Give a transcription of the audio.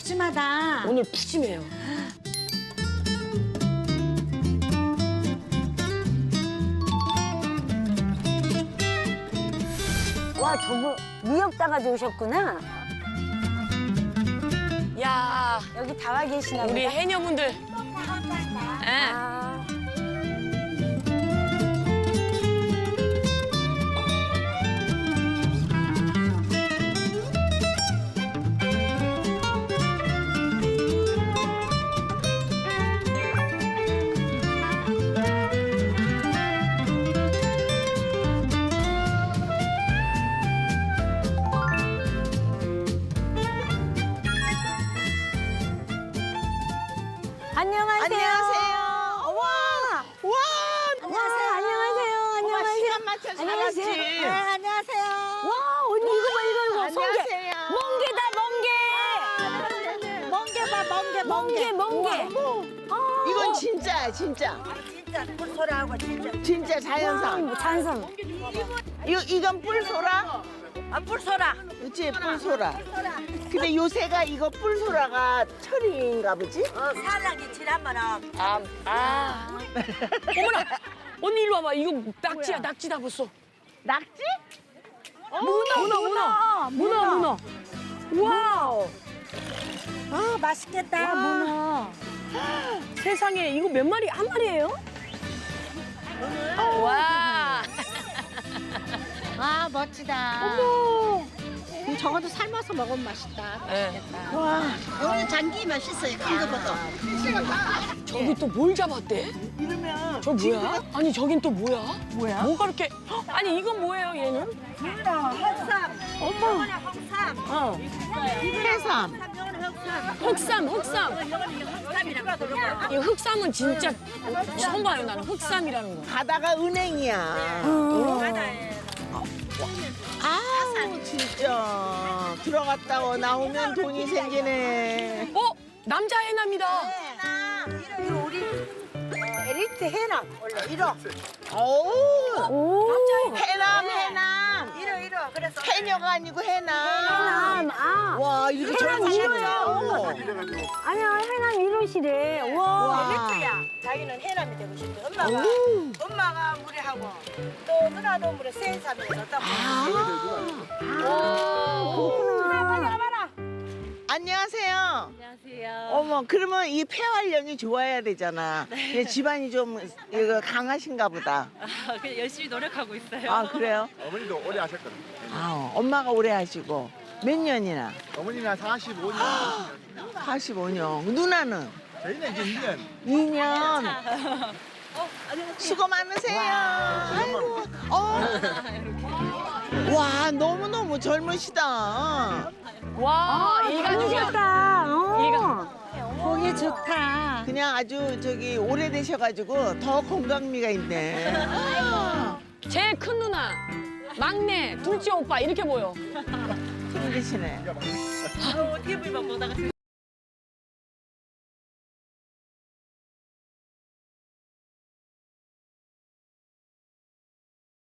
푸짐하다. 오늘 푸짐해요. 와, 저거 미역 따가지고 오셨구나. 야, 여기 다 와 계시나 보다. 우리 해녀분들. 예. 아, 안녕하세요. 안녕하세요. 와, 와, 안녕하세요. 안녕하세요. 엄마 안녕하세요. 시간 맞춰서 안녕하세요. 알았지. 네, 안녕하세요. 와, 언니 이거 봐, 이거. 안녕하세요. 멍게다, 멍게. 멍게 봐, 멍게. 멍게. 아, 이건 진짜야, 진짜. 진짜 꿀소라하고 진짜. 진짜 자연산. 와, 잔섬. 이건 뿔소라? 아, 꿀소라. 그치, 뿔소라. 근데 요새가 이거 뿔소라가 철인가 보지? 사랑이 지나면은 어머나, 언니 일로 와봐. 이거 낙지야, 낙지다 벌써. 낙지? 문어. 와우. 아, 맛있겠다, 문어. 세상에, 이거 몇 마리? 한 마리예요? 와. 아, 멋지다. 저것도 삶아서 먹으면 맛있다. 예. 와, 오늘 장기 맛있어요, 큰 거보다. 저기 또 뭘 잡았대? 이러면 저 뭐야? 아니 저긴 또 뭐야? 뭐야? 뭐가 이렇게? 아니 이건 뭐예요 얘는? 흑삼. 어머. 흑삼. 어, 해삼. 흑삼. 흑삼이라고 그러고. 이 흑삼은 진짜 처음 봐요 나는 흑삼이라는 거. 바다가 은행이야. 아우, 진짜. 들어갔다 나오면 돈이 생기네. 어? 남자 해남이다. 이거 우리 에리트 해남 원래 1호. 오, 남자 해남. 1호. 그래서 해녀가 아니고 해남. 해남. 아, 와, 이렇게 해남 젊으시네요. 아니야, 해남 이러시래. 와. 에리트야. 자기는 해남이 되고 싶대. 엄마가 물에하고 또 누나도 물에 센삼이어서 또. 안녕하세요. 안녕하세요. 어머, 그러면 이 폐활량이 좋아야 되잖아. 근데 집안이 좀 이거 강하신가 보다. 그냥 열심히 노력하고 있어요. 아, 그래요? 어머니도 오래 하셨거든요. 아, 엄마가 오래 하시고. 몇 년이나? 어머니는 한 45년. 45년. 누나는? 저희는 이제 2년. 2년. 수고 많으세요. 아이고. 와, 너무너무 젊으시다. 와 이 가족이야. 좋다. 보기 좋다. 그냥 아주 저기 오래되셔가지고 더 건강미가 있네. 제일 큰 누나, 막내, 둘째 오빠 이렇게 보여. 힘드시네. TV만 보다가